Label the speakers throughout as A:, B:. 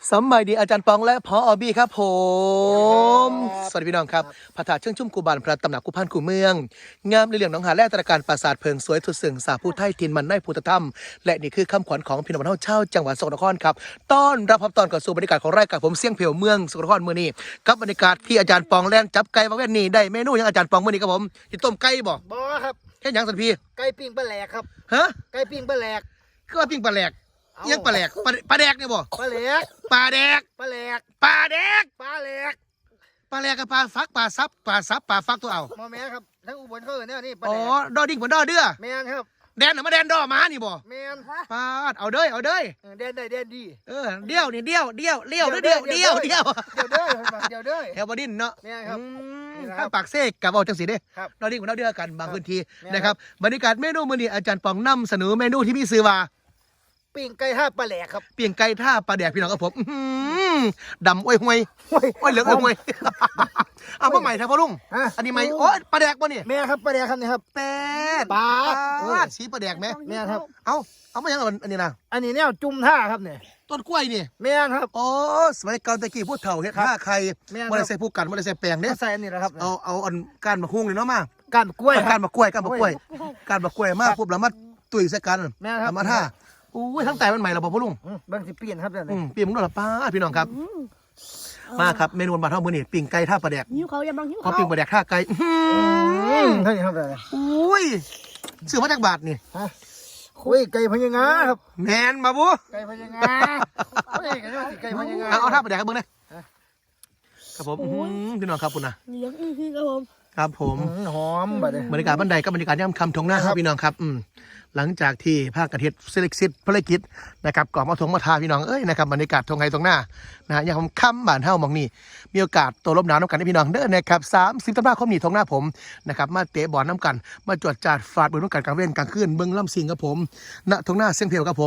A: สมัยดีอาจารย์ปองและพออบี้ครับผมสวัสดีพี่น้องครับพระธาตุเชิงชุ่มกูบานพระตำหนักกูพันกูเมืองงามในเรื่องหนองหาแร่ตระการปราสาทเพิงสวยทุดสึ่งสาผู้ไทยทินมันในพุทธธรรมและนี่คือคำขวัญของพี่น้องบ้านเฮาเช่าจังหวัดสกลนครครับต้อนรับตอนก่อนสู่บรรยากาศของรายการผมเสียงเพียวเมืองสกลนครมื้อนี้กับบรรยากาศที่อาจารย์ปองแล่นจับไก่มาเว้นนี่ได้เมนูยังอาจารย์ปองมื้อนี้ครับผมที่ต้มไก่บ่
B: บ่ครับ
A: แค่หยังสันพี่
B: ไก่ปิ้งปลาแหลกครับ
A: ฮะ
B: ไก่ปิ้งปลาแหลก
A: คือว่าปิ้งปลาแหลกยังปลาแหลกปลาแดกเนี่ยบ่
B: ปลาแหลก
A: ปลาแดก
B: ปลาแหลก
A: ปลาแดก
B: ปลาแหลก
A: ปลาแหลกกับปลาฟักปลาซับปลาซับปลาฟักตัวเอา
B: หมอแม่ครับทั้งอุบลเขาเนี่ยนี่ปลา
A: อ๋อ
B: แหลก
A: ดอดิ่งเหมือนดอเดือ
B: แมนครับ
A: แดนหรือมาแดนดอหมานี่บ่
B: แมน
A: ปาดเอาเด้ย
B: แดนได้แดนดี
A: เดี่ยวนี่เดี่ยวเด้อ
B: เดี๋ยวเด้อ
A: แถวบดินเนาะ
B: แมนครับ
A: ข้างปากเสกกับเอาจังสีเด้
B: ครับ
A: ดอดิ่งเหมือนดอเดือกันบางพื้นที่นะครับบรรยากาศเมนูมื้อนี้อาจารย์ปองนำเสนอเมนูที่มีชื่อว่า
B: ปิ้งไก่ห้าปลาแหลกครับ
A: เปียงไก่ท่าปลาแดกพี่น้องครับผมดำอ้อยห่วยอ้อยเหลืองอ้อยห่วยเอามาใหม่ครับพ่อลุงอันนี้ใหม่โอ้ปลาแดกป่ะนี่
B: แม่ครับปลาแหลกครับนี่ครับ
A: แต่
B: ปลา
A: สีปลาแดกไหม
B: แม่ครับ
A: เอามาอย่างอันนี้นะ
B: อันนี้เนี่ยจุ่มท่าครับเนี่ย
A: ต้นกล้วยนี่
B: แม่ครับ
A: อ๋อสมัยเก่าตะกี้พูดเถ่าเฮ็ดผ้าใครไม่ได้ใส่ผู้กันไม่ได้ใส่แปลงเนี่ย
B: ใส่อันนี้นะครับ
A: เอาอันก้านมะฮุ่งเลยเนาะมา
B: ก้านกล้วย
A: ก้านมะกล้วยมาปุ๊บแล้วมาตุ๋ยใส่กัน
B: แม่ครับ
A: มาท่าอุ้ยทั้งแต่มันใหม่เราบอกพ่อลุง
B: บางสิเปลี่ยนครับเนี่ย
A: เปลี่ยนมึงด้วยหรอป้าพี่น้องครับมาครับเมนูบานเท่ามือนี่ปิ้งไก่ท่าปลาแดก
C: หิวเขาอย่าบังหิว
A: พอปิ้งปลาแดกท่าไก่
B: เท่านี้ครับ
A: อุ้ยซื้อมาจากบาทนี่
B: คุยไก่พญางาครับ
A: แมนมาบุ
B: ไก่พญางาไก่พญางา
A: เอาท่าปลาแดกครับเบิ้งนะครับผมพี่น้องครับคุณนะ
C: เลี้ยงคือครับผม
A: ครับผม
B: หอมบ
A: รรยากาศบันไดกับบรรยากาศย่ำคำทงหน้าครับพี่น้องครับหลังจากที่ภาคกระเทียมเซเล็กซิตภารกิจนะครับก่อมาทงมาทาพี่น้องนะครับบรรยากาศทงไงตรงหน้านะอย่างผมค่ำบ้านเฮ้ามองนี่มีโอกาสตัวลบหนาวน้ำกันให้พี่น้องเด้อนะครับ30 ธันวาคมนี้ทงหน้าผมนะครับมาเตะบอลน้ำกันมาจวดจาดฟาดบนน้ำกันกลางเว้นกลางคืนเบิ้งล่ำสิงกับผมณทงหน้าเสียงเพลวกับผม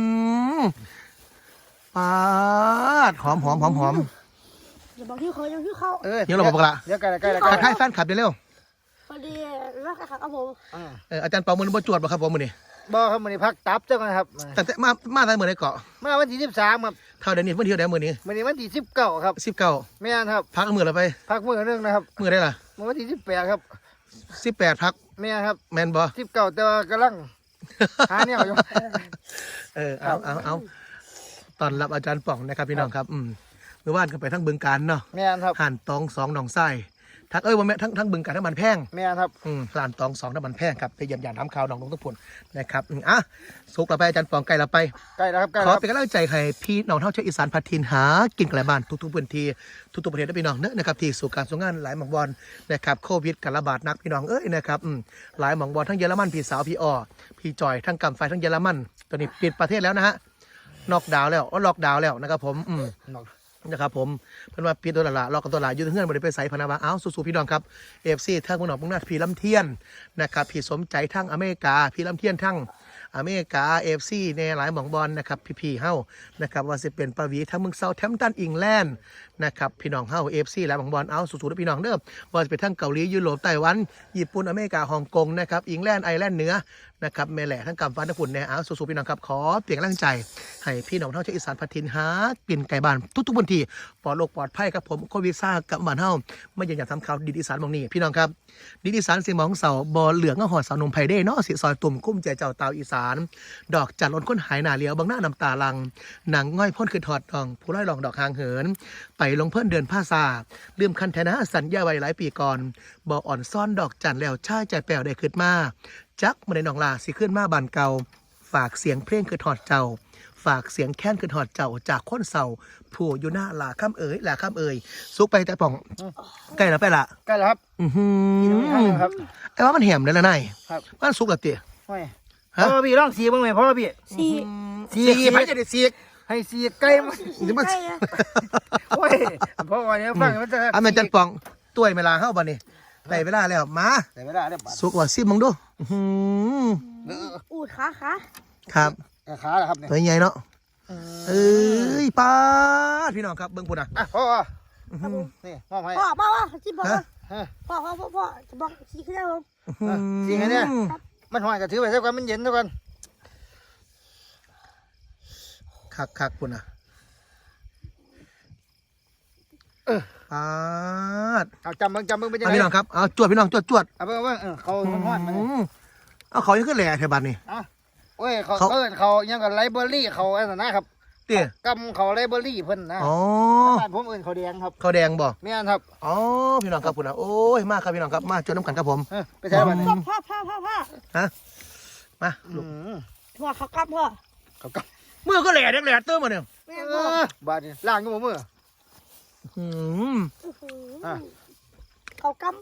A: ปาดหอม
C: อย่าบังหิวเขาอย่าหิวเขา
A: เดี๋ยวเราบอกละ
B: เดี๋ยวกัน
A: ทักทายแฟนคลับเดี๋ยวเร็ว
C: พอดีรักครับผม
A: อาจารย์เปามือบ่จวดบ่ครับผมมือนี่
B: บ่ครับมือนี้พักตับเจ้ากันครับ
A: แต่มาได้มือไหนเกาะ
B: มาวันที่13ครับ
A: เท่าเดี๋ยวนี้เมื่อเที่ยวได้มือนี้
B: มือนี้วันที่19ครับ
A: 19
B: ไม่นครับ
A: พักมืออะไรไป
B: พักมือนึงนะครับ
A: มือได้ล่ะ
B: วันที่18ครับ
A: 18พัก
B: ไม่ครับ
A: แมนบ่
B: 19แต่ว่ากำลังหาเนี่ยอยู่
A: เอาตอนรับอาจารย์ป่องนะครับพี่น้องครับเมื่อวานก็ไปทั้งบึงการเนาะ
B: แม่นครับ
A: ห่านตอง2หนองไส้ทักว่าแม่ทั้งบึงการทั้งมันแพง
B: แม่นครับ
A: ลานตอง2น้ำมันแพงครับไปเยี่ยมยามน้ำข่าวหนองลงทุกผลนะครับสุกเราไปอาจารย์ป่องไก่เราไป
B: แล้วครับ
A: ขอเป็นกำลังใจให้พี่น้องเท่าเชื้ออีสานพัทินหากินไก่บ้านทุกๆพื้นที่ทุกๆประเทศได้พี่น้องเนอะนะครับที่สู่การส่งงานหลายหม่องบอลนะครับโควิดการระบาดนักพี่น้องนะครับหลายหม่องบอลทั้งเยอรมันพี่สาวพี่อ้อพี่จอยทั้งกำไฟทั้งเยอรมันตอนนี้ปิดประเทศแล้วนะฮะล็อกดาวน์แล้วนะครับผมนะครับผมเพิ่นว่าปิดตัวละล็อกกันตัวละอยู่ที่เฮือนบ่ได้ไปไสพะนะว่าสู้ๆพี่น้องครับ FC ทั้งมื้อน้องมุ่งหน้าพี่ลำเทียนนะครับพี่สมใจทั้งอเมริกาพี่ลำเทียนทั้งอเมริกา FC ในหลายหม่องบอลนะครับพี่ๆเฮานะครับว่าสิเป็นปาวีทั้งเมืองเซาท์แธมป์ตันอิงแลนด์นะครับพี่น้องเฮา FC หลายหม่องบอลสู้ๆนะพี่น้องเด้อว่าจะเป็นทั้งเกาหลียุโรปไต้หวันญี่ปุ่นอเมริกาฮ่องกงนะครับอิงแลนด์ไอร์แลนด์เหนือนะครับแม่แหล่ทั้งกำฟันทั้งฝุ่นแน่สู้ๆพี่น้องครับขอเปลี่ยนกำลังใจให้พี่น้องเฮาชาวอีสานพัทินหากินไก่บ้านทุกๆพื้นที่ปลอดโรคปลอดภัยครับผมโควิดซ่ากับบ้านเฮาไม่อยากทำข่าวดินอีสานมองนี่พี่น้องครับดินอีสานเสียงมองเสาบ่อเหลืองก็หอดสาวนมไผ่เด้เนาะสิซอยตุ่มกุ้มใจเจ้าตาวอีสานดอกจันทร์ล้นค้นหายหน้าเลี้ยวบางหน้าน้ำตาลังหนังง่อยพ่นคือถอดดองผู้ร้อยหลองดอกหางเหินไปลงเพื่อนเดินผ้าซาลืมคันแทนะสัญญาไว้หลายปีก่อนบ่ออ่อนซ่อนดอกจันทร์แล้วชายใจแป๋วได้ขึ้นมาจักมาในหนองลาสิขึ้นมาบานเก่าฝากเสียงเพลงคือถอดเจ้าฝากเสียงแค้นคือถอดเจ้าจากคนเศร้าผู้อยู่หน้าหลาข้ามเอ๋ยซุกไปแต่ป่องใกล้แล้วไปละ
B: ใกล้แล้วครับ
A: ครับไอ้ว่ามันแหมเลยละนายมันซุกละเตี๋ย
B: พ่อพี่ร้องสีบ้างไหมพ่อพี่
C: สี
A: ไปจะได้สี
B: ให้สีไก่มันโอ้ยพ่อวันนี้ฟังมันจะ
A: แม่จันป่องตัวเวลาเข้าบ้านนี่ได้เวลาแล้วมา
B: ได้เวลาแล้ว
A: ซุกว่าซิมึงดู
C: อูดขา
A: ครับ
B: ขาเหรอครับเนี่ย
A: ตัวใหญ่เนาะป้าพี่น้องครับเบิ้งปุ่น
B: พ่อนี่พ่อให้
C: พ่อที่บอกพ่อจะบอกสีขึ้นแล้ว
B: ผมสีไงเนี่ยมันหอยกระถือไปเท่ากันมันเย็นเท่ากัน
A: คักปุ่นปาด
B: เอาจำเบิ่งเป็นยัง
A: เอา
B: ไง
A: พี่น้องครับเอาจวดพี่น้องจวด
B: เอาเบิ่งเขาห้อนๆมา
A: เอาเขายังขึ้นแหล่เทบันนี่
B: โอ้ยเขายังกับไลเบอรี่เขาอันนั้นนะครับ
A: เตี้ย
B: กำเขาไลเบอรี่เพิ่นนะ
A: อ๋อ
B: บ้านผมเอิ้นเขาแดงครับ
A: เขาแดงบ่
B: แม่นครับ
A: อ๋อพี่น้องครับคุณนะโอ้ยมากครับพี่น้องครับมาจวดน้ำกันครับผม
B: ไปใช้บ้านนี้
C: พ่อ
A: มาลูก
C: พ่อเขากลับพ่อ
B: เขาก
A: มือก็แหล่เด็กแหล่เติมมาเนี่ย
C: แม่พ่อ
B: บ้านนี้ล่างอยู่บ่มือ
A: อืม
C: เขากลับ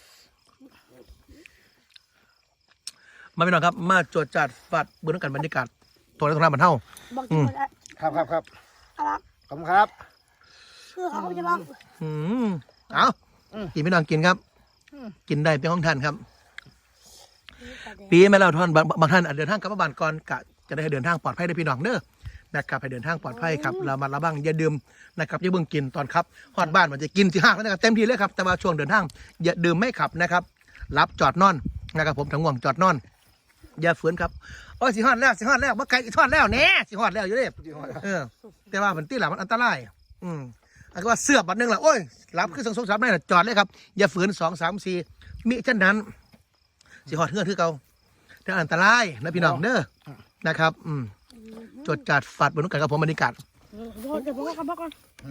A: มาพี่น้องครับมาจวดจัดฟัดเบื้องกันบรรยากาศตัวในตรงนั้นมันเท่า
C: บอกที่หมดแล้ว
B: ครับ
C: อะไร
B: ขอบคุณครับ
C: คือเขาจะบอก
A: เอากินพี่น้องกินครับ กินได้เป็นของท่านครับ ปีแม่เราท่านบางท่านอาจเดินทางกลับบ้านก่อนกะจะได้ให้เดินทางปลอดภัยได้พี่น้องเด้อนะครับให้เดินทางปลอดภัยครับเรามาระวังอย่าดื่มนะครับอย่าเบิ่งกินตอนครับฮอดบ้านมันจะกินที่ห้างแล้วนะครับเต็มที่เลยครับแต่ว่าช่วงเดินทางอย่าดื่มไม่ขับนะครับรับจอดนอนนะครับผมทั้งง่วงจอดนอนอย่าฝืนครับโอ้ยสิฮอดแล้วบ่ไกลอีกทอดแล้วแน่สิฮอดแล้วอยู่เด้แต่ว่ามันตีหลังมันอันตรายอันก็ว่าเสือบบัดนึงล่ะโอ้ยรับคือ2 3ได้น่ะจอดเลยครับอย่าฝืน2 3 4มิฉะนั้นสิฮอดเฮือนคือเก่าแต่อันตรายนะพี่น้องเด้อนะครับจดจัดฝัดบนนุกันกับผมบรรยากาศ
C: เดี๋ยวผมก็กลับบ้านก่อน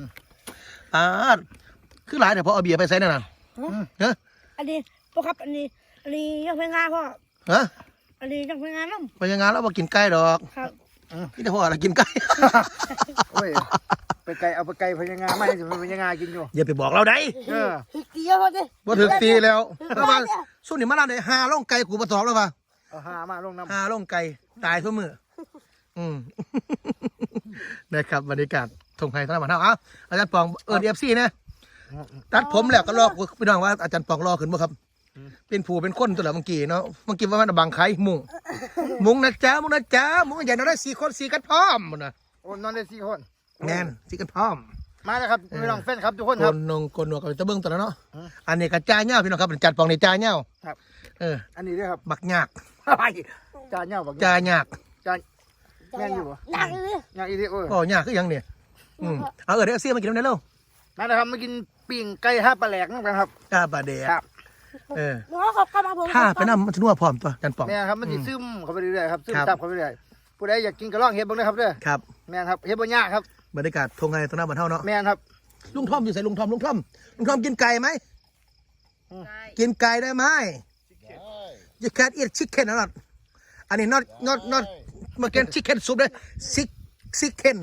A: คือหลายแต่พอเอาเบียร์ไปใส่นั่นน่ะเนอะ
C: อันนี้พ่อครับอันนี้ยังเป็นงานพ่อ
A: ฮะ
C: อันนี้ยังเป็นงานน้
A: ไปยังงานแล้วมากินไก่ดอก
C: ำครับ
A: นี่แต่พ่ออะไรกินไก่
B: โอ้ยไปไกลเอาไปไกลพญางาไม่ถึงพญางากินอยู่
A: อย่าไปบอกเราได้
C: ถึกตีเยอะพอดิ
A: บ่ถึกตีแล้วแล้วว่าส่วนนี้มาแล้วได้หาล่องไก่กูมาตอบแล้วป่ะ
B: เอาหามาลงน้ำ
A: หาล่องไก่ตายทุกมือนะครับบรรยากาศทงไทยท่านมาเท่าอาจารย์ปองFC นะตัดผมแล้วก็รอพี่น้องว่าอาจารย์ปองรอขึ้นบ่ครับเป็นผู้เป็นคนตัวละเมื่อกี้เนาะเมื่อกี้ว่ามันบังไข่มุงนะจ๊ะมุงใหญ่เราได้4 คน4กันพร้อมหมดนะ
B: โอ้นอนได้4 คน
A: แน่น4กันพร้อม
B: มาแล้วครับพี่น้องแฟนครับทุกคน
A: โก
B: ครับ
A: นนงโกนหนวกกับจะเบิ้งตัวแล้วเนาะอันนี้กระจายเงาพี่น้องครับจัดปองในจายเงา
B: ครับ อันนี้ด้วยครับ
A: บักยาก
B: ไปจานเน่าบัก
A: จายยาก
B: จานแม่นอยู่บ่
C: หนักเลย
B: ยางอีทีโอ้ย
A: ก็ยากคือหยังเนี่ยเอาเดี๋ยวเสียมากินน้ำได้เร็ว
B: มาแล้วครับมากินปิ้งไก่ท่าปลาแหลกนั่นกันครับ
A: กาบาเดะ
B: ครับ
C: พ่อเขากลับมาผม
A: ถ้าไปน้ำมันจะนัวพร้อมตัวจันปอง
B: แม่ครับมันสิซึมเข้าไปเรื่อยๆครับซึม
A: ครับ
B: ซับเข้าไปเรื่อยๆผู้ใดอยากกินก็ลองเฮ็ดเบิ่งเลยครับเด้อ
A: ครับ
B: แม่ครับเฮ็ดบ่ยากครับ
A: บรรยากาศทงไงตัวหน้าบ้านเท่าเนาะ
B: แม่ครับ
A: ลุงทอมอยู่ใส่ลุงทอมกินไก่ไหมกินไก่ได้ไหม You can't eat chicken or not อันนี้ not มากิน chicken soup เลย chicken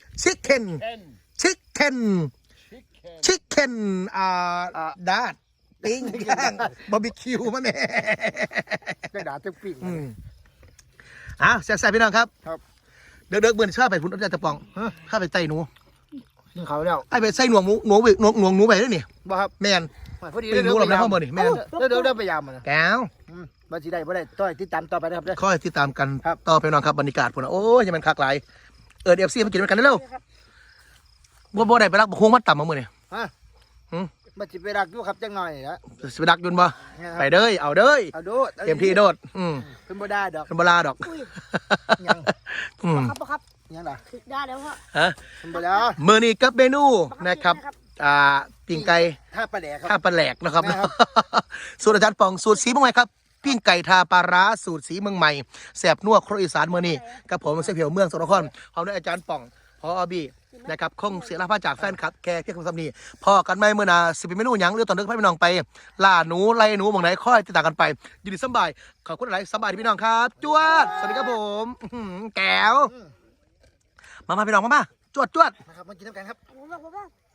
A: ดาดปิ้งย่างบาร์บีคิวมาแม่
B: ได้ด่าตึกปิ้ง
A: แซ่บๆพี่น้องครับ
B: ครับ
A: เด็กๆเบื่อชอบไปพุ่นอาจารย์จะปองข้าไปไต่หนู
B: กินเขาแล้ว
A: ไอ้ไปใส่หนวงหนูไปด้วยนี่
B: บ่ครับ
A: แมน
B: พอดี
A: เป็นหนูหลับในห้องบ่นี่แมน
B: เดี๋ยวไปยามมันนะ
A: แก้ว
B: บ่สิได้บ่ได้ต้อยติดตามต่อไปนะครับเด้อ
A: ค่อยติดตามกัน
B: ครับ
A: ต่อไปน้องครับบรรยากาศพุ่นโอ้ยยังมันคักหลายFC มากินด้วยกันเร็วบ่ได้ไปรักบ่คงมัดต่ำมามื้อนี่
B: ฮะบ่สิไปรักอยู่ครับจังหน่อยนะ
A: สิไปดักยุนบ่ไปเด้อเอาเด้อ
B: เอาโดด
A: เต็มที่โดด
B: เพิ่นบ่ได้ดอก
A: เป็นบลาดอก
B: ยัง
C: ครับ
B: ยังล่ะ
C: ถึกได้แล้วพ่อ
A: ฮะ
B: เพิ่นบ่ได้
A: มื้อนี้กับเมนูนะครับปิ้งไก่
B: ท่าปลาแหลกครับ
A: ท่าปลาแหลกนะครับ
B: แม่ครับ
A: สูตรอาจารย์ปองสูตรสีเมืองใหม่ครับปิ้งไก่ทาปลาร้าสูตรสีเมืองใหม่แสบนัวครัวอีสานมื้อนี้กับผมเสี่ยเพียวเมืองสกลนครพร้อมด้วยอาจารย์ปองพอบีนะครับคงเสียลาภาจากแฟนคลับแค่เพียงคำสำนีพอกันไหมมื้อหน้าสิเป็นเมนูหยังหรือตอนนึกให้พี่น้องไปล่าหนูไล่หนูหม่องไหนค่อยติดตามกันไปยินดีสบายขอบคุณหลายสบายพี่น้องครับจวดสวัสดีครับผมแก้วมาพี่น้องมาจวด
B: นะครับมากินน้ำกันครับ
C: ผมบอก